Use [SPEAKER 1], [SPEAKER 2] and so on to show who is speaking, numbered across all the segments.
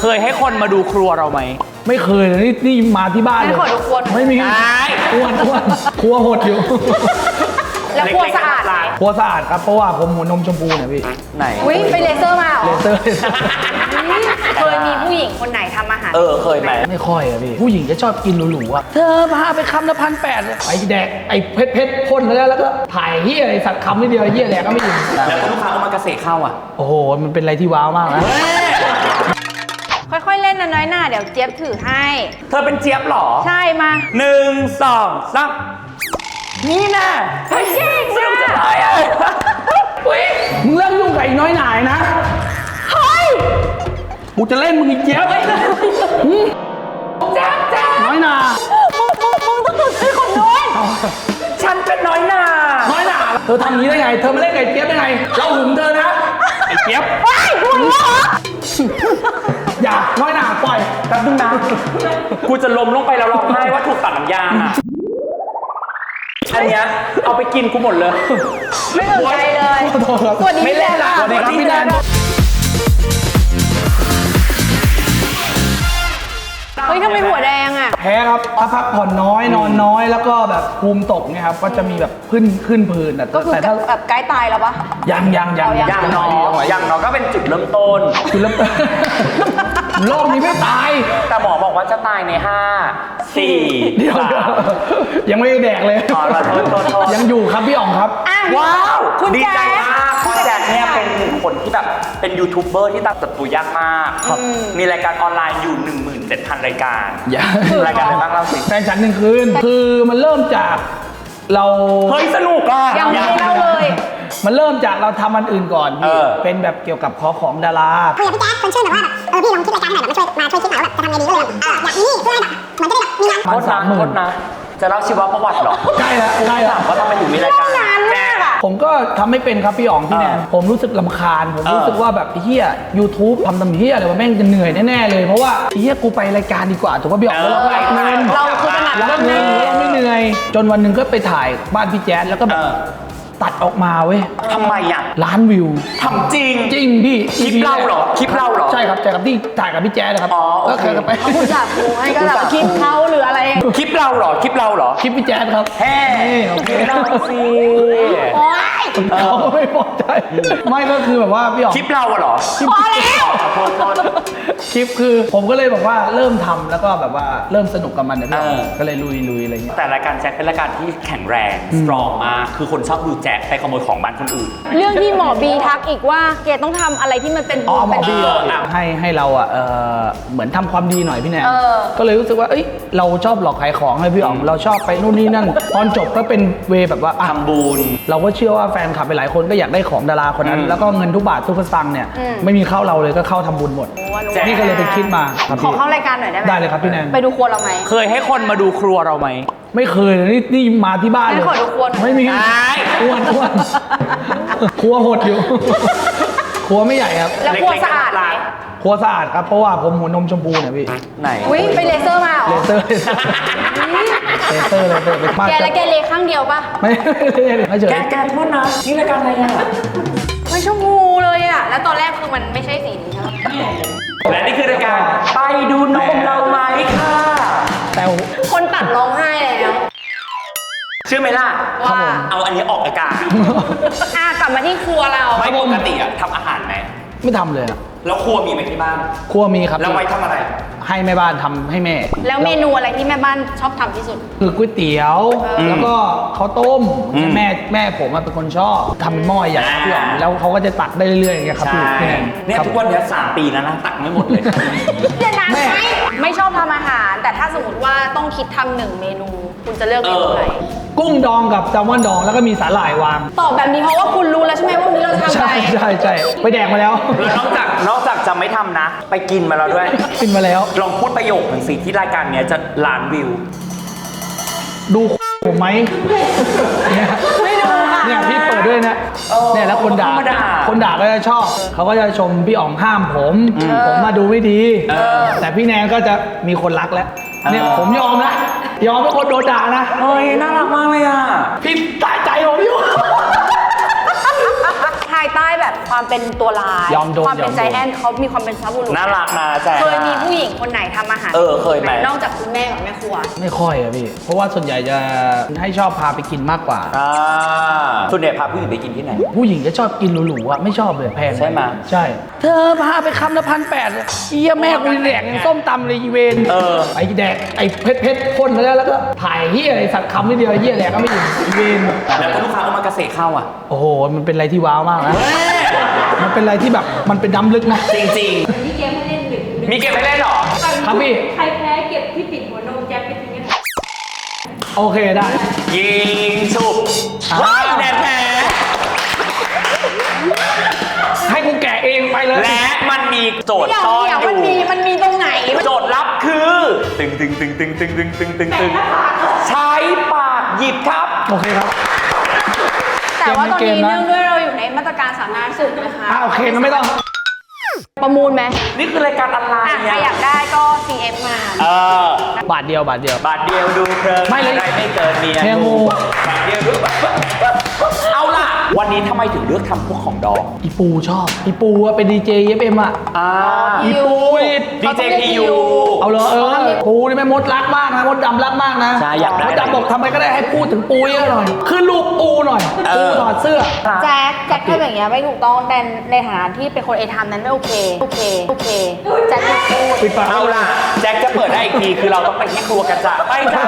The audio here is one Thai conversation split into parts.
[SPEAKER 1] ยให้คนมาดูครัวเราไหม
[SPEAKER 2] ไม่เคยเลยนี่มาที่บ้านเลยไม่มีอ้วนครัวหดอยู่
[SPEAKER 3] แล้วครัวสะอาดไหม
[SPEAKER 2] ครัวสะอาดครับเพราะว่าผมหัวนมชมพูเนี่ยพี่
[SPEAKER 1] ไหน
[SPEAKER 3] อุ้ยไปเลเซอร์มาเหรอ
[SPEAKER 2] เลเซอร์
[SPEAKER 3] เคยมีผู้หญิงคนไหนทำอาหาร
[SPEAKER 1] เคยไหม
[SPEAKER 2] ไม่ค่อยอะพี่ผู้หญิงจะชอบกินหรูๆอะเธอพาไปคำละ1,800ไอ้แดกไอ้เพชรพ่นแล้วก็ถ่ายเฮียไอ้สัตว์คำนิดเดียวเฮียแดกก็ไม่อิ่ม
[SPEAKER 1] แล้วลูกค้าก็มากระเสกเข้าอ่ะ
[SPEAKER 2] โอ้โหมันเป็นอะไรที่ว้าวมากนะ
[SPEAKER 3] ค่อยๆเล่นนะน้อยหน้าเดี๋ยวเจี๊ยบถือให้
[SPEAKER 1] เธอเป็นเจี๊ยบหรอ
[SPEAKER 3] ใช่มา
[SPEAKER 1] 1 2 3นี่นะ
[SPEAKER 3] เฮ้ยเก่งมาก
[SPEAKER 1] จะตายอ่ะ
[SPEAKER 2] มึงเลิกยุ่งกับไอ้น้อยหน่ายนะ
[SPEAKER 3] เฮ้ย
[SPEAKER 2] กูจะเล่นมึงอีกเจี๊ยบน้อยหนา
[SPEAKER 3] มึงต้องดูชื่อคนนู้น
[SPEAKER 1] ฉันเป็นน้อยหนา
[SPEAKER 2] เธอทำอย่างนี้ได้ไงเธอมาเล่นกับไอ้เจี๊ยบได้ไงเราหึงเธอนะไอ้เจี๊ยบ
[SPEAKER 3] มึงเหรอ
[SPEAKER 2] อย่าน้อยหนาปล่อย
[SPEAKER 1] แป๊บนึงนะกูจะล้มลงไปแล้วร้องไห้ว่าถูกตัดน้ำยางอ่ะอันเนี้ยเอาไปกินกูหมดเลย
[SPEAKER 3] ไม่สนใจเลยสวัสดีพี่แดน
[SPEAKER 2] สวัสดีครับพี่แดน
[SPEAKER 3] เฮ้ยทำไมหัวแดงอ่ะ
[SPEAKER 2] แพ้ครับถ้าพักผ่อนน้อยนอนน้อยแล้วก็แบบภูมิตกเนี่ยครับก็จะมีแบบขึ้นผื่น
[SPEAKER 3] ก็คือแบบใกล้ตายแล้วปะ
[SPEAKER 2] ยัง
[SPEAKER 1] น้องก็เป็นจุดเริ่มต้น
[SPEAKER 2] โลกนี้ไม่ตาย
[SPEAKER 1] แต่หมอบอกว่าจะตายใน5 4
[SPEAKER 2] เดี๋ยวยังไม่ได้แดกเลยยังอยู่ครับพี่อ๋องครับ
[SPEAKER 1] ว้าวดีใจมากเพราะแจ็คเนี่ยเป็นคนที่แบบเป็นยูทูบเบอร์ที่ตัดตัวยากมากมีรายการออนไลน์อยู่ 17,000 รายการรายการอะไรบ้างเล่าสิ
[SPEAKER 2] แฟนฉัน1 คืนคือมันเริ่มจากเรา
[SPEAKER 1] เฮ้ยสนุกอ่ะ
[SPEAKER 3] ยังไม่เล่าเลย
[SPEAKER 2] มันเริ่มจากเราทำอันอื่นก่อนพี่เป็นแบบเกี่ยวกับของดารา
[SPEAKER 4] คุยกับพี่แจ๊คคนชื่อแบบว่าพี่ลองคิดรายการหน่อยแบบมาช่วยคิดหน่อยว่าจะทำไงดีก็เลยอยากมีนี่เพื่อให้แบบเหมือนจะได้แบบมีงาน
[SPEAKER 1] โทษนะจะเล่าชีวประวัติหรอ
[SPEAKER 2] ใช่แล้ว
[SPEAKER 1] ว่าทำไมถึงมีรายการ
[SPEAKER 2] ผมก็ทำไม่เป็นครับพี่อ๋องพี่แนนผมรู้สึกรำคาญผมรู้สึกว่าแบบเฮีย YouTube ทำเฮียอะไรวะแม่งจะเหนื่อยแน่ๆเลยเพราะว่าเฮียกูไปรายการดีกว่าถูกป่ะพี่อ๋องเราก็เงิน
[SPEAKER 3] เราคือถนัดเรื่องนี้
[SPEAKER 2] เราไม่เหนื่อยจนวันหนึ่งก็ไปถ่ายบ้านพี่แจ๊ดแล้วก็แบบตัดออกมาเว้ย
[SPEAKER 1] ทำไมอ่ะ
[SPEAKER 2] 1,000,000 วิว
[SPEAKER 1] ทำจริง
[SPEAKER 2] พี่
[SPEAKER 1] คลิปเราเหรอ
[SPEAKER 2] ใช่ครับที่ถ่ายกับพี่แจ๊ดนะครับ
[SPEAKER 1] ก็เคย
[SPEAKER 2] ไป
[SPEAKER 3] คุณจับกูให้ก็แบบคลิปเขาหรืออะไร
[SPEAKER 1] คลิปเราเหรอคลิป
[SPEAKER 2] พี่แจ๊ดครับ
[SPEAKER 1] แฮ่โอเคเราสิ
[SPEAKER 3] โอ๊ย
[SPEAKER 2] เขาก็ไม่พอใจไม่ก็คือแบบว่าพี่อ๋อง
[SPEAKER 1] คลิปเราเหรอ
[SPEAKER 3] พอแล้ว
[SPEAKER 2] คลิปคือผมก็เลยบอกว่าเริ่มทำแล้วก็แบบว่าเริ่มสนุกกับมันเนี่ยก็เลยลุยอะไรเงี้ย
[SPEAKER 1] แต่รายการแจ็คเป็นรายการที่แข็งแรงสตรองมากคือคนชอบดูแจ็คไปขโมยของบ้านคนอื่น
[SPEAKER 3] เรื่องที่หมอบีทักอีกว่าเกดต้องทำอะไรที่มันเป็น
[SPEAKER 2] หมอบีให้เราเหมือนทำความดีหน่อยพี่แนนก็เลยรู้สึกว่าเราชอบหลอกขายของให้พี่อ๋องเราชอบไปนู่นนี่นั่นตอนจบก็เป็นเวแบบว่า
[SPEAKER 1] ทำบุญ
[SPEAKER 2] เราก็เชื่อว่าแฟนคลับไปหลายคนก็อยากได้ของดาราคนนั้นแล้วก็เงินทุกบาททุกสตางค์เนี่ยไม่มีเข้าเราเลยก็เข้าทำบุญหมดนี่ก็เลยไปคิดมา
[SPEAKER 3] ขอเข้ารายการหน่อยได้ไหม
[SPEAKER 2] ได้เลยครับพี่แนน
[SPEAKER 3] ไปดูครัวเราไหม
[SPEAKER 1] เคยให้คนมาดูครัวเราไหม
[SPEAKER 2] ไม่เคยเลยนี่มาที่บ้านเลยไม่มีอ้วนครัวหดอยู่ครัวไม่ใหญ่ครับ
[SPEAKER 3] แล้วครัวสะอาดไหม
[SPEAKER 2] ครัวสะอาดครับเพราะว่าผมหัวนมชมพูเนี่ยพี่
[SPEAKER 1] ไหน
[SPEAKER 3] อุ้ยไปเลเซอร์มาเหรอ
[SPEAKER 2] เลเซอร์ไปมาก
[SPEAKER 3] แกแล้วแกเลข้างเดียวป่ะ
[SPEAKER 2] ไม่เฉย
[SPEAKER 1] แกโทษนะนี่รายการอะไรอ่ะ
[SPEAKER 3] ไม่ชมพูเลยอ่ะแล้วตอนแรกคือมันไม่ใช่สีนี้ใช่ไหม
[SPEAKER 1] และนี่คือรายการไปดูนมเราไหมค่ะ
[SPEAKER 2] แต่
[SPEAKER 3] คนตัดร้องไห้แล้ว
[SPEAKER 1] เชื่อไหมล่ะ
[SPEAKER 3] ว่า
[SPEAKER 1] เอาอันนี้ออกอากาศ
[SPEAKER 3] กลับมาที่ครัวเรา
[SPEAKER 1] ไม่ปกติอะทำอาหารไหม
[SPEAKER 2] ไม่ทำเลย
[SPEAKER 1] แล้วครัวมีไหมที่บ้าน
[SPEAKER 2] ครัวมีครับ
[SPEAKER 1] แล้วไว้ทำอะไร
[SPEAKER 2] ให้แม่บ้านทำให้แม่
[SPEAKER 3] แล้วเมนูอะไรที่แม่บ้านชอบทำที่สุด
[SPEAKER 2] คือก๋วยเตี๋ยวแล้วก็ข้าวต้มแม่ผมเป็นคนชอบทำเป็นหม้อใหญ่พี่อ๋องแล้วเขาก็จะตักได้เรื่อยๆอย่างเงี้ยครับพี่
[SPEAKER 1] เนี่ยทุกวันนี้3 ปีแล้วนะตักไม่หมดเลย
[SPEAKER 3] เดี๋ยวนะไม่ชอบทำอาหารแต่ถ้าสมมติว่าต้องคิดทำ1 เมนูคุณจะเลือกเมนูไหน
[SPEAKER 2] กุ้งดองกับแซลมอนดองแล้วก็มีสาหร่ายวาง
[SPEAKER 3] ตอบแบบนี้เพราะว่าคุณรู้แล้วใช่ไหมว่าวันนี้เราทำอะไร
[SPEAKER 2] ใช่ไปแดกมาแล้ว
[SPEAKER 1] แล้วนอกจากจะไม่ทำนะไปกินมาแล้วด้วย
[SPEAKER 2] กินมาแล้ว
[SPEAKER 1] ลองพูดประโยคหนึ่งสิที่รายการนี้จะ1,000,000 วิว
[SPEAKER 2] ดูผมไหม
[SPEAKER 3] ไม่ดูค่ะ
[SPEAKER 2] เนี่ยพี่เปิดด้วยนะเนี่ยแล้วคนด่าก็จะชอบเขาก็จะชมพี่อ๋องห้ามผมมาดูไม่ดีแต่พี่แนนก็จะมีคนรักแล้วเนี่ยผมยอมนะยอมเป็นคนโดนด่านะ
[SPEAKER 1] เฮ้ยน่ารักมากเลยอ่ะ
[SPEAKER 2] พี่ตายใจผมอยู่
[SPEAKER 3] ถ่ายายใต้แบบความเป็นตัวร้าย
[SPEAKER 2] ยอมโดน
[SPEAKER 3] ความเป็น
[SPEAKER 2] ยอมโดน
[SPEAKER 3] ใจแอนเขามีความเป็นซับบุรุษ
[SPEAKER 1] น่ารักนะแจ๊ค
[SPEAKER 3] เคยมีผู้หญิงคนไหนทำอาหาร
[SPEAKER 1] เคยไหม
[SPEAKER 3] นอกจากคุณแม่กับแม่ครัว
[SPEAKER 2] ไม่ค่อยอะพี่ เพราะว่าส่วนใหญ่จะให้ชอบพาไปกินมากกว่า
[SPEAKER 1] ส่วนใหญ่พาผู้หญิงไปกินที่ไหน
[SPEAKER 2] ผู้หญิงจะชอบกินหรูๆอะไม่ชอบเลยแพง
[SPEAKER 1] ใช่ไหม
[SPEAKER 2] ใช่ เธอพาไปคำละ1,800เลยเฮียแม่กูแดกยังส้มตำเลยอีเวน ไอ้แดกไอ้เพชรพ่นแล้วก็ถ่ายเฮียไอ้สัตว์คำนิดเดียวไอ้เฮียแดกก็ไม่ถึงอีเวน
[SPEAKER 1] แล้วก็ลูกค้าก็มากระเสกเข้าอ่ะ
[SPEAKER 2] โอ้โห มันเป็นอะไรที่ว้าวมากนะ มันเป็นอะไรที่แบบมันเป็นน้ำลึกนะ
[SPEAKER 1] จริง
[SPEAKER 5] มีเกมให้เล่นหนึ่ง
[SPEAKER 1] ๆ มีเกมให้เล่นเหรอ
[SPEAKER 2] ครับพี่
[SPEAKER 5] ใครแพ้เก็บที่ปิดหัวนมแจ็คไปทิ้งกัน
[SPEAKER 2] โอเคได้
[SPEAKER 1] ยิงฉุบ
[SPEAKER 2] อ่า
[SPEAKER 1] ว้ายแดดแผล
[SPEAKER 2] ให้กูแกะเองไปเลย
[SPEAKER 1] และมันมีโจทย์
[SPEAKER 3] เดี๋ยว
[SPEAKER 1] ซ่อน
[SPEAKER 3] เดี๋ยว
[SPEAKER 1] อ
[SPEAKER 3] มัน
[SPEAKER 1] ยู่
[SPEAKER 3] มีตรงไหน
[SPEAKER 1] โจทย์ลับคือตึงตึงตึงตึงตึงตึงตึงตึงตึงใช้ปากหยิบครับ
[SPEAKER 2] โอเคครับ
[SPEAKER 3] แต่ว่าตอน
[SPEAKER 2] เกม
[SPEAKER 3] นี้
[SPEAKER 2] นะ
[SPEAKER 3] เนื่องด้วยเราอยู่ในมาตรการสาธารณสุขนะคะ
[SPEAKER 2] โอเคงั้นไม่ต้อง
[SPEAKER 3] ประมูลไหม
[SPEAKER 1] นี่คือรายการออนไล
[SPEAKER 3] อ่ะ
[SPEAKER 1] น์
[SPEAKER 3] ใคร
[SPEAKER 1] เนี่ย
[SPEAKER 3] อยากได้ก็ CF มา
[SPEAKER 2] บาทเดียว
[SPEAKER 1] บาทเดียวดูเพลิน
[SPEAKER 2] ไม่เลย
[SPEAKER 1] อะไรไม่เกินเมีย
[SPEAKER 2] แค่งู
[SPEAKER 1] บาทเดียวดูเอาล่ะ วันนี้ทำไมถึงเลือกทำพวกของดอง
[SPEAKER 2] อีปูชอบ อีปูอะเป็นดีเจเอฟเอ็มอะ
[SPEAKER 3] อีปู
[SPEAKER 1] ดีเจพียู
[SPEAKER 2] เอาเลยปูนี่แม่มดรักมากนะมดดำรักมากนะ
[SPEAKER 1] ใช่อยากได้
[SPEAKER 2] มดดำบอกทำอะไรก็ได้ให้พูดถึงปูเยอะหน่อยขึ้นรูปปูหน่อยปูถอดเสื้อ
[SPEAKER 3] แจ็คทำอย่างเงี้ยไม่ถูกต้องในฐานะที่เป็นคนเอทามนั้นไม่โอเคแจ็คไม่พูด
[SPEAKER 2] ปิดปาก
[SPEAKER 1] เอาล่ะ แจ็คจะเปิดได้อีกทีคือเราต้องไปที่ครัวกันจ้ะไปจ้า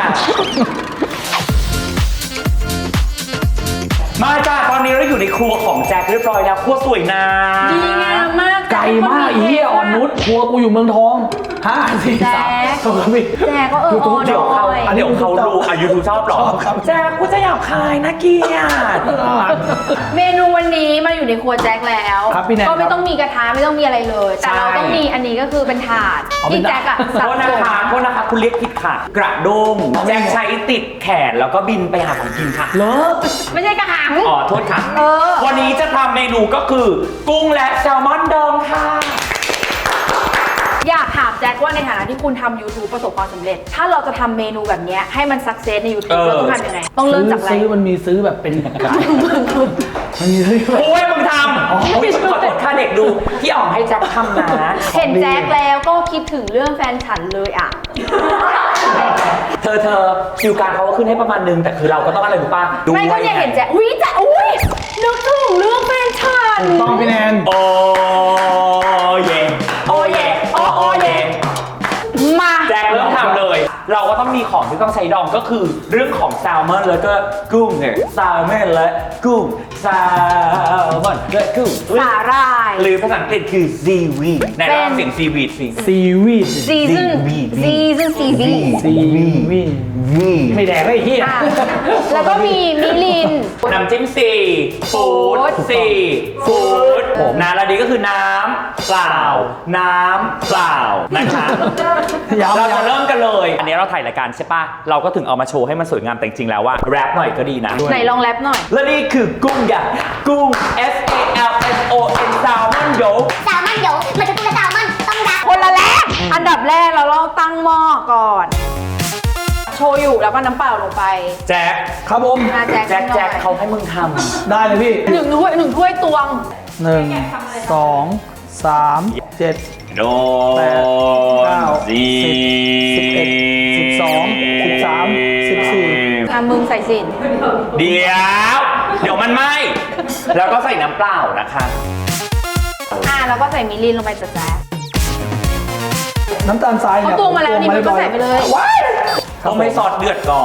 [SPEAKER 1] มาจ้าตอนนี้เราอยู่ในครัวของแจ็คเรียบร้อยแล้วครัวสวยนะ
[SPEAKER 3] ดีงามมาก
[SPEAKER 2] ไกลมากอีเหี้ยอ่อนนุชครัวกูอยู่เมืองทอง5 4 3ถูกครับพี่
[SPEAKER 3] แจ็คก็
[SPEAKER 1] เดี๋ยวเขา
[SPEAKER 3] หน่อย
[SPEAKER 1] เดี๋ยวเขารู้ยูทูบชอบหรอ
[SPEAKER 2] ชอบครับ
[SPEAKER 1] แจ็คกูจะหยาบคายนะเกียรติ
[SPEAKER 3] เมนูวันนี้มาอยู่ในครัวแจ็คแล้ว
[SPEAKER 2] ครับพี่แนน
[SPEAKER 3] ก็ไม่ต้องมีกระทะไม่ต้องมีอะไรเลย แต่เราต้องมีอันนี้ก็คือเป็นถาด
[SPEAKER 2] เอาเป็
[SPEAKER 3] ที่
[SPEAKER 2] น
[SPEAKER 3] แจ็คอะ
[SPEAKER 1] โท
[SPEAKER 3] สับ
[SPEAKER 1] ษ
[SPEAKER 3] ส
[SPEAKER 1] นะคะ
[SPEAKER 3] น
[SPEAKER 1] โทษนะคะคุณเรียกผิดค่ะ กระด้งแจ็คใช้ติดแขนแล้วก็บินไปหาของกินค่ะ
[SPEAKER 2] เลิก
[SPEAKER 3] ไม่ใช่กระหัง
[SPEAKER 1] อ๋อโทษค่ะ
[SPEAKER 3] เออ
[SPEAKER 1] วันนี้จะทำเมนูก็คือ กุ้งและแซลมอนดองค่ะ
[SPEAKER 3] อยากถามแจ็คว่าในฐานะที่คุณทำ YouTube ประสบความสำเร็จ ถ้าเราจะทำเมนูแบบเนี้ยให้มันสักเซสใน YouTube เราต้องทำยังไง ต้องเริ่มจากอะไร
[SPEAKER 2] ซื้อมันมีซื้อแบบเป็นมันมีซื้อแบบ
[SPEAKER 1] โอ้ยมึงทำโอ้ยขอโทษค่ะเด็กดูพี่อ๋องให้แจ็คทำนะ
[SPEAKER 3] เห็นแจ็คแล้วก็คิดถึงเรื่องแฟนฉันเลยอ่ะ
[SPEAKER 1] เธอคิวการเขาก็ขึ้นให้ประมาณนึงแต่คือเราก็ต้องอะไรรู้ป่ะดู
[SPEAKER 3] ไม่ก็เนี่ยเห็นแจ็คอุ้ยแจ็คอุ้ยนึกถึงเรื่องแฟนฉัน
[SPEAKER 2] ต้องพี่แนน
[SPEAKER 1] โอ้เย่โอ้เย่โอ้เย่
[SPEAKER 3] มา
[SPEAKER 1] แจ็คเริ่มทำเลย เราก็ต้องมีของที่ต้องใช้ดองก็คือเรื่องของแซลมอนแล้วก็กุ้งเนี่ยแซลมอนและกุ้งแซลมอนและกุ้ง
[SPEAKER 3] สาหร่าย
[SPEAKER 1] หรือภาษาอังกฤษคือ seaweed ใน
[SPEAKER 3] เป็น
[SPEAKER 1] รอบเสียง seaweed สิ
[SPEAKER 2] ซีวีด
[SPEAKER 3] ซีซั่นซีวี
[SPEAKER 2] ซีวีดไม่แดกไอ้เหี้ย
[SPEAKER 3] อ่ะแล้วก็มีมิลิน
[SPEAKER 1] น้ำจิ้มฟู้ดฟู้ดนะแล้วนี้ก็คือน้ำเปล่านะคะ เราจะเริ่มกันเลย อันนี้เราถ่ายรายการใช่ปะเราก็ถึงเอามาโชว์ให้มันสวยงามแต่จริงๆแล้วว่าแรปหน่อยก็ดีนะ
[SPEAKER 3] ไหนลองแรปหน่อย
[SPEAKER 1] และนี่คือกุ้งอย่างกุ้ง S A L M O N แซลมอนโยก
[SPEAKER 4] แซลมอนเดี๋ยวมันจะพูดว่าแซลมอนต้องรัก
[SPEAKER 3] คนละแรกอันดับแรกเราต้องตั้งหม้อก่อน โชยุแล้วก็น้ำเปล่าลงไป
[SPEAKER 1] แจ็ค
[SPEAKER 2] ครับผม
[SPEAKER 3] อ่ะแจ็ค
[SPEAKER 1] แจ็คเขาให้มึงท
[SPEAKER 2] ได้เลยพี่
[SPEAKER 3] หนึ่งถ้วยตวง
[SPEAKER 2] 1 2 3 7
[SPEAKER 1] ำโด
[SPEAKER 2] 9 10 11 12 13 14
[SPEAKER 3] อ่ะมึงใส่สิน
[SPEAKER 1] เดี๋ยวมันไหมแล้วก็ใส่น้ำเปล่านะคะ
[SPEAKER 3] อ่ะแล้วก็ใส่มิลินลงไปจ้ะแจ๊ค
[SPEAKER 2] น้ำตาลทราย
[SPEAKER 3] เขา
[SPEAKER 2] เนี่ย
[SPEAKER 3] ตวงมาแล้วนี่มันก็ใส่ไปเลย
[SPEAKER 1] ต้องไม่ซอสเดือดก่อน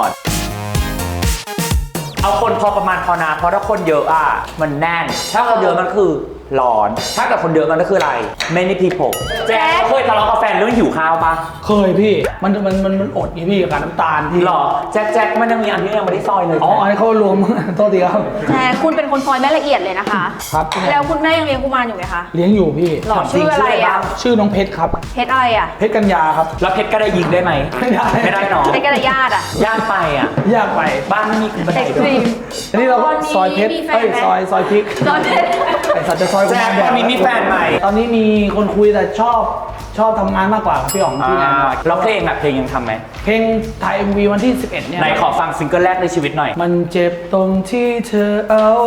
[SPEAKER 1] เอาคนพอประมาณพอนะเพราะถ้าคนเยอะอ่ะมันแน่น ถ้าคนเยอะมันคือร้อน ถ้ากับคนเยอะมันก็คืออะไร many people แจ๊คเคยทะเลาะกับแฟนเรื่องหิวข้าวปะ
[SPEAKER 2] เคยพี่ มันอดไงพี่กับการน้ำตาลพี่
[SPEAKER 1] หรอแจ็คมันยังมีอันที่ยังไม่ได้ซอยเลย
[SPEAKER 2] อ๋ออันนี้เขารวม โทษทีครับ
[SPEAKER 3] แจ๊คคุณเป็นคนซอยแม่ละเอียดเลยนะคะ
[SPEAKER 2] ครับ
[SPEAKER 3] แล้วคุณแม่ยังเลี้ยงกุมารอยู่ไหมคะ
[SPEAKER 2] เลี้ยงอยู่พี่
[SPEAKER 3] หรอชื่ออะไรอ่ะ
[SPEAKER 2] ชื่อน้องเพชรครับ
[SPEAKER 3] เพชรอะไรอ่ะ
[SPEAKER 2] เพชรกัญญาครับ
[SPEAKER 1] แล้วเพชรก็ได้ยิงได้ไหม
[SPEAKER 2] ไม่ได้
[SPEAKER 1] ไม่ได้เนาะ
[SPEAKER 3] เพชรกระยาดอ่ะ
[SPEAKER 1] ยากไปอ่ะ
[SPEAKER 2] ยากไป
[SPEAKER 1] บ้านไม่มีบันได
[SPEAKER 3] เอ็กซ์
[SPEAKER 1] ด้
[SPEAKER 3] ต
[SPEAKER 1] ว
[SPEAKER 3] รี
[SPEAKER 1] ย
[SPEAKER 3] ม
[SPEAKER 2] อันนี้เราก็
[SPEAKER 3] ตอนนี้
[SPEAKER 2] ซอยเพชร
[SPEAKER 3] มีแฟน
[SPEAKER 2] เอ้ย
[SPEAKER 3] ไหม
[SPEAKER 2] ซอยพริก
[SPEAKER 3] ตอนเพชร
[SPEAKER 2] ไอสัตว์จะซอย
[SPEAKER 1] แจ็คตอนนี้มีแฟนใหม่
[SPEAKER 2] ตอนนี้มีคนคุยแต่ชอบทำงานมากกว่าครับพี่อ๋องพี่แอน
[SPEAKER 1] แล้วเพลงอ่ะเพลงยังทำไหม
[SPEAKER 2] เพลงถ่าย MV วันที่ 11 เนี่ย
[SPEAKER 1] ไหนขอฟังซิงเกิลแรกในชีวิตหน่อย
[SPEAKER 2] มันเจ็บตรงที่เธอเอาห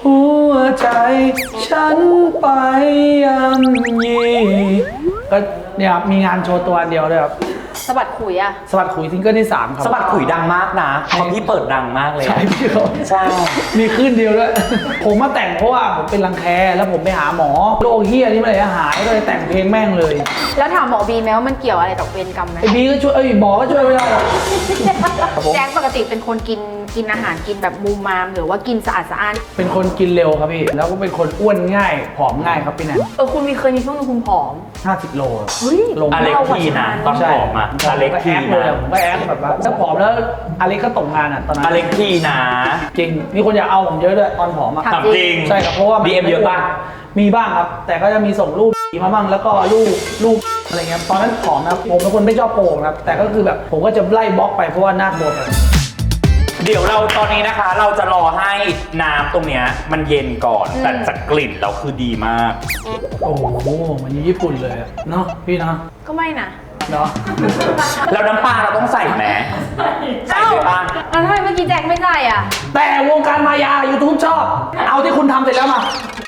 [SPEAKER 2] หัวใจฉันไปยำยีก็เนี่ยครับมีงานโชว์ตัวอันเดียวเลยครับ
[SPEAKER 3] สะบัดขุยอะ
[SPEAKER 2] สวัสดขุยซิงเกิลที่ 3 ครับ
[SPEAKER 1] สะบัดขุยดังมากนะเพราะพี่เปิดดังมากเลย
[SPEAKER 2] ใช่พี่เขา
[SPEAKER 1] ใช่
[SPEAKER 2] มีคลื่นเดียวด้วย ผมมาแต่งเพราะว่าผมเป็นรังแคแล้วผมไปหาหมอโรคเฮียนี่มันเลยหายก็เลยแต่งเพลงแม่งเลย
[SPEAKER 3] แล้วถามหมอบีไหมว่ามันเกี่ยวอะไรกับเวรกรรมไหม
[SPEAKER 2] ไอ้บีก็ช่วยหมอก็ช่วยไม่ได้หรอก
[SPEAKER 3] แจ็คปกติเป็นคนกินอาหารกินแบบมูมามหรือว่ากินสะอาดสะอ้าน
[SPEAKER 2] เป็นคนกินเร็วครับพี่แล้วก็เป็นคนอ้วนง่ายผอมง่ายครับพี่แนน
[SPEAKER 3] คุณเคยมีช่วงนึงคุณผอม
[SPEAKER 2] 50 โล
[SPEAKER 3] เฮ้ย
[SPEAKER 2] ลง
[SPEAKER 1] อเล็กทีนะตอนผอมอะอเล็ก
[SPEAKER 2] ก็
[SPEAKER 1] ที
[SPEAKER 2] แอคเลย
[SPEAKER 1] นะ
[SPEAKER 2] ผมก็แอคแบบว่าถ้าผอมแล้วอเล็กก็ตกงานอ่ะตอนนั้น
[SPEAKER 1] อเล็กทีนะ
[SPEAKER 2] จริงมีคนอยากเอาผมเยอะด้วยตอนผอมอ่ะ
[SPEAKER 3] ถาม
[SPEAKER 1] ถามจริง
[SPEAKER 2] ใช่ครับเพราะว่ามัน
[SPEAKER 1] DM เยอะป่ะ
[SPEAKER 2] มีบ้างครับ แต่ก็จะมีส่งรูปมาบ้างแล้วก็รูปอะไรเงี้ยตอนนั้นผอมนะครับผมเป็นคนไม่ชอบโป่งนะครับแต่ก็คือแบบผมก็จะไล่บล็อกไปเพราะว่าหน้าบวม
[SPEAKER 1] เดี๋ยวเราตอนนี้นะคะ เราจะรอให้น้ำตรงเนี้ยมันเย็นก่อน แต่จากกลิ่นเราคือดีมาก
[SPEAKER 2] โอ้โหมันญี่ปุ่นเลยอะเนาะพี่เนาะ
[SPEAKER 3] ก็ไม่นะ
[SPEAKER 2] เนาะ
[SPEAKER 1] แล้วน้ำปลาเราต้องใส่ไหมใส่ไปบ้าง
[SPEAKER 3] แล้วทำไมเมื่อกี้แจ็คไม่ใส่อ่ะ
[SPEAKER 2] แต่วงการมายา YouTube ชอบ เอาที่คุณทำเสร็จแล้วมา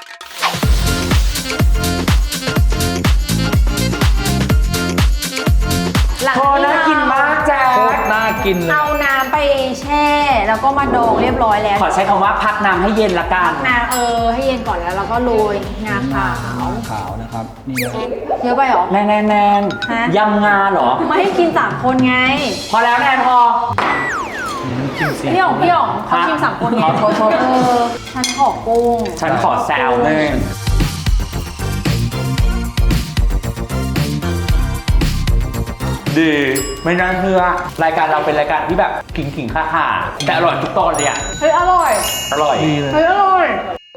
[SPEAKER 3] หลัง
[SPEAKER 1] พอน่ากินมากแจ๊
[SPEAKER 2] โค
[SPEAKER 1] ค
[SPEAKER 2] ตรน่ากินเลย
[SPEAKER 3] เอาน้ำไปแช่ แล้วก็มาดองเรียบร้อยแล้ว
[SPEAKER 1] ขอใช้คำว่าพักน้ำให้เย็นละกัน
[SPEAKER 3] น้ำให้เย็นก่อนแล้วเราก็โรยงาขาว
[SPEAKER 2] ขาวนะครับ นี่เลย
[SPEAKER 3] เยอะไปเหรอ
[SPEAKER 1] แนน
[SPEAKER 3] ฮะ
[SPEAKER 1] ยำงาเหรอ
[SPEAKER 3] ไม่ให้กิน3 คนไง
[SPEAKER 1] พอแล้วแนนพอ
[SPEAKER 2] กินเสีย
[SPEAKER 3] พี่อ๋องเขาชิม3 คนไง
[SPEAKER 1] ขอโทษ
[SPEAKER 3] ฉันขอกุ้ง
[SPEAKER 1] ฉันขอแซวหนึ่งดีไม่น่าเชื่อรายการเราเป็นรายการที่แบบขิงข่าๆแต่อร่อยทุกตอนเลยอ่ะ
[SPEAKER 3] เฮ้ยอร่อย
[SPEAKER 1] อร่อย
[SPEAKER 2] ดีเลย
[SPEAKER 3] เฮ้ยอร่อย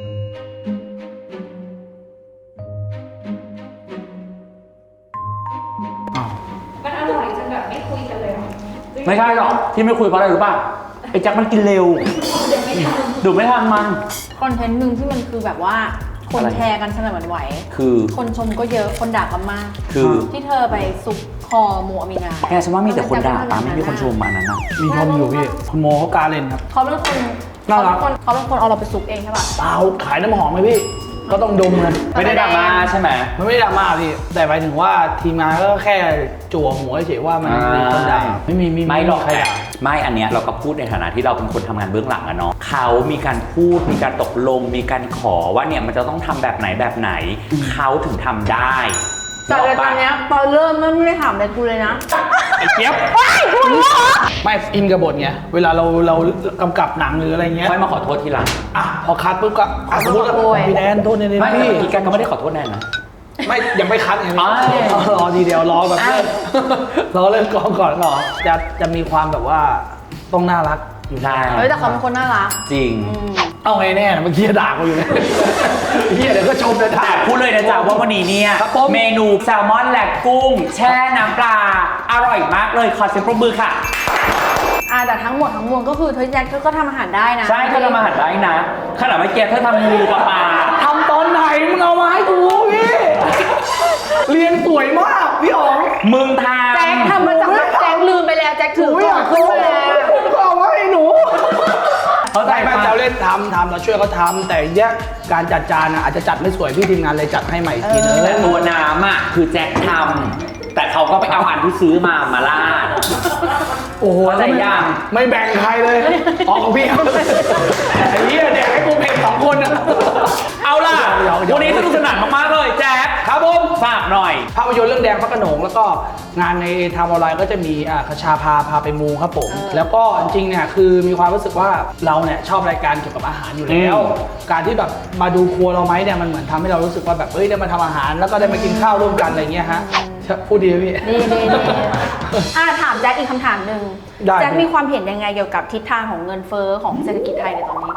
[SPEAKER 5] มันอร่อยจนแบบไม่คุยกันเลยเหรอ
[SPEAKER 1] ไม่ใช่หรอกที่ไม่คุยเพราะอะไรรู้ป่ะไอ้แจ็คมันกินเร็วดูไม่ทันมัน
[SPEAKER 3] คอนเทนต์หนึ่งที่มันคือแบบว่าคน
[SPEAKER 1] อะไร
[SPEAKER 3] แชร์กันสนั่นหวั่นไหว
[SPEAKER 1] คือ
[SPEAKER 3] คนชมก็เยอะคนด่ากันมาก
[SPEAKER 1] คือ
[SPEAKER 3] ที่เธอไปซุกคอโมอามีนา
[SPEAKER 1] แกฉันว่ามีแต่คนด่าตามไม่มีคนชมมันนั้นนะ
[SPEAKER 2] มีชมอยู่พี่ คุณโมเขาการเล่นครับ
[SPEAKER 3] เขาเป็นคน
[SPEAKER 2] น่ารัก
[SPEAKER 3] เขาเป็นคนเอาเราไปซุกเองใช่ป่ะ
[SPEAKER 2] เปล่าขายน้ำหอมไหมพี่ ก็ต้องดมเลย
[SPEAKER 1] ไม่ได้ดราม่าใช่ไหม
[SPEAKER 2] มันไม่ได้ดราม่าพี่ แต่หมายถึงว่าทีมงานก็แค่จั่วหัวเฉยๆว่ามันมีคนด่าไม่มี
[SPEAKER 1] ไม่หรอก
[SPEAKER 2] ใครด่า
[SPEAKER 1] ไม่อันเนี้ยเราก็พูดในฐานะที่เราเป็นคนทำงานเบื้องหลังอะเนาะเขามีการพูดมีการตกลงมีการขอว่าเนี่ยมันจะต้องทำแบบไหนเขาถึงทำได้
[SPEAKER 3] แต่เลยตอนเนี้ยตอนเริ่มไม่ได้ถามอะไรกูเลยนะ
[SPEAKER 2] ไอ้เจี๊ยบไม่อินกับบทไงเวลาเรากำกับหนังหรืออะไรเงี้ย
[SPEAKER 1] ค่อยมาขอโทษทีหลัง
[SPEAKER 2] อ่ะพอคัดปุ๊บก็อ่ะสมมติว่า
[SPEAKER 3] โอ้ย
[SPEAKER 2] พี่แดนโทษใน
[SPEAKER 1] ไม่
[SPEAKER 2] พี่
[SPEAKER 1] เมื่อกี้แกก็ไม่ได้ขอโทษแนนนะ
[SPEAKER 2] ไม่ยังไม่คัดไง
[SPEAKER 1] อ๋อ
[SPEAKER 2] รอทีเดียวรอแบบเลิกรอเลิกกองก่อนรอจะมีความแบบว่าต้องน่ารักอยู่
[SPEAKER 1] ใช่
[SPEAKER 3] เฮ้ยแต่เขาเป็นคนน่ารัก
[SPEAKER 1] จริง
[SPEAKER 2] เอาไงแน่นะเมื่อกี้ด่ากูอยู่เลยเฮียเดี๋ยวก็ชมเลยด่า
[SPEAKER 1] แต่พูดเลยนะจ๊ะว่าวันนี้เนี่ย
[SPEAKER 2] ครับผม
[SPEAKER 1] เมนูแซลมอนและกุ้ง แช่น้ำปลาอร่อยมากเลยขอเสียงปรบมือค่ะ
[SPEAKER 3] แต่ทั้งหมดทั้งมวลก็คือเธอแจ็คเธอก็ทำอาหารได้นะ
[SPEAKER 1] ใช่เธอทำอาหารได้นะขนาดเมื่อกี้เธอทำงูกับปลา
[SPEAKER 2] ทำตอนไหนมึงเอามาให้กูพี่เรียนสวยมากพี่อ๋อง
[SPEAKER 1] มึงท
[SPEAKER 3] แจ็คทำมาจากแจ็คลืมไปแล้วแจ็คถือกล่องขึ้นมาแล้ว
[SPEAKER 2] เอาไว้ให้หนู
[SPEAKER 1] ำเขาใจ
[SPEAKER 2] ไม่
[SPEAKER 1] ปะ
[SPEAKER 2] เราเล่นทำเราช่วยเขาทำแต่เนี้ยการจัดจานอะอาจจะจัดไม่สวยพี่ทีมงานเลยจัดให้ใหม่อีกทีนึง
[SPEAKER 1] แต่ตัวน้ำอ่ะคือแจ็คทำแต่เขาก็ไปเอาอันที่ซื้อมาลาด
[SPEAKER 2] โอ้โห
[SPEAKER 1] เข้าใจยัง
[SPEAKER 2] ไม่แบ่งใครเลยออกของพี่ครับไอ้เหี้ยแดกให้กูเผ็ด2 คนอะ
[SPEAKER 1] เอาล่ะ
[SPEAKER 2] เดี๋ยว
[SPEAKER 1] วันนี้สนุกสนานมากๆเลยแจ็ค
[SPEAKER 2] ครับผม
[SPEAKER 1] ฝากหน่อย
[SPEAKER 2] ภาพยนตร์เรื่องแดงพระโขนงแล้วก็งานในทางออนไลน์ก็จะมีคชาพาไปมูครับผมแล้วก็จริงๆเนี่ยคือมีความรู้สึกว่าเราเนี่ยชอบรายการเกี่ยวกับอาหารอยู่แล้ว การที่แบบมาดูครัวเราไหมเนี่ยมันเหมือนทำให้เรารู้สึกว่าแบบเอ้ยได้มาทำอาหารแล้วก็ได้มากินข้าวร่วมกันอะไรเงี้ยฮะพูดดีไหมพี่
[SPEAKER 3] ดีถามแจ็คอีกคำถามหนึ่ง
[SPEAKER 2] ได้
[SPEAKER 3] แจ็คมีความเห็นยังไงเกี่ยวกับทิศทางของเงินเฟ้อของเศรษฐกิจไทยในตอนนี้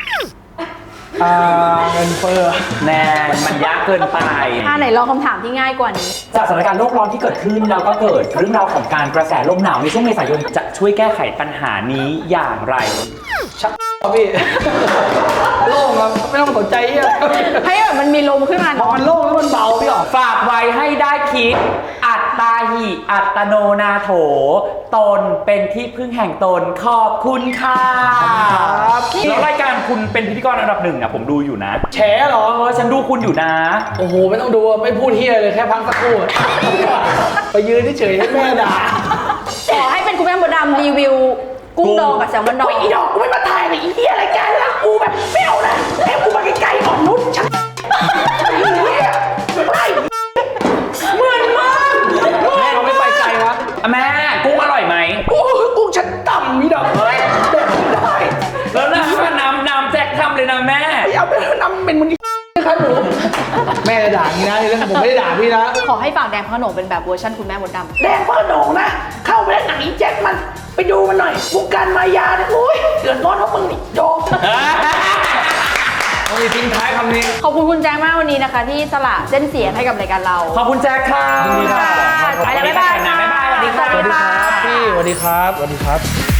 [SPEAKER 2] เงินเฟ้อ
[SPEAKER 1] แน่มันยากเกินไป
[SPEAKER 3] ไหนลองคำถามที่ง่ายกว่านี้
[SPEAKER 1] จากสถานการณ์โลกร้อนที่เกิดขึ้นแล้วก็เกิดเรื่องราวของการกระแสลมหนาวในช่วงเมษายนจะช่วยแก้ไขปัญหานี้อย่างไร
[SPEAKER 2] ชักพี่โล่งครับไม่ต้องสนใจเหี้ย
[SPEAKER 3] ให้แบบมันมีลมขึ้นมา
[SPEAKER 2] พอมันโล่งแล้วมันเบาพี่อ๋อ
[SPEAKER 1] ฝากไว้ให้ได้คิดอัดตาหิอัตโนนาโถ ตนเป็นที่พึ่งแห่งตนขอบคุณค่ะแล้วรายการคุณเป็นพิธีกรอันดับหนึ่งนะผมดูอยู่นะ
[SPEAKER 2] แฉเหรอ
[SPEAKER 1] ฉันดูคุณอยู่นะ
[SPEAKER 2] โอ้โห ไม่ต้องดูไม่พูดเฮียเลยแค่พักสักครู่ไปยืนเฉยๆให้แม่ด่า
[SPEAKER 3] ขอให้เป็นคุณแม่มดดำรีวิวกุ้งดองกับแซลมอนดอง
[SPEAKER 2] อีดอกกูไม่มาถ่ายเลยอีเฮียรายการแล้วกูแบบไม่เอานะให้กูมาไกลๆอ่อนนุชชักเหมือนมากแม่เราไม่ไปไกลวะ
[SPEAKER 1] แม่กุ้งอร่อยไหม
[SPEAKER 2] โอ้ยกุ้งฉันต่ำมีดอกเอ้ยแบบไม่ได้
[SPEAKER 1] แล้วน้ำแจ็คทำเลยนะแม่
[SPEAKER 2] ไม่เอาไปนำเป็นมันนี่ครับหนูแม่จะด่าอย่างนี้นะแล้วผมไม่ได้ด่าพี่นะ
[SPEAKER 3] ขอให้ฝากแดงพระโขนงเป็นแบบเวอร์ชันคุณแม่มดดำ
[SPEAKER 2] แดงพระโขนงนะ เข้าไปแล้วหนังอีแจ็คมันไปดูมันหน่อยวงการมายาเนี่ยโอ้ยเดือดร้อนเพราะมึงนี่โจกโอ้ยทิ้งท้ายคำนี้
[SPEAKER 3] ขอบคุณคุณแจ้งมากวันนี้นะคะ ที่สละเส้นเสียงให้กับรายการเรา
[SPEAKER 1] ขอบคุณแจ็คค่ะ
[SPEAKER 2] ยินดีค่ะ
[SPEAKER 3] ไปแล้วบ๊ายบาย
[SPEAKER 1] บ๊ายบายสวัสดีค่ะ
[SPEAKER 2] สวัสดีครับพี่สวัสดีครับสวัสดีครับ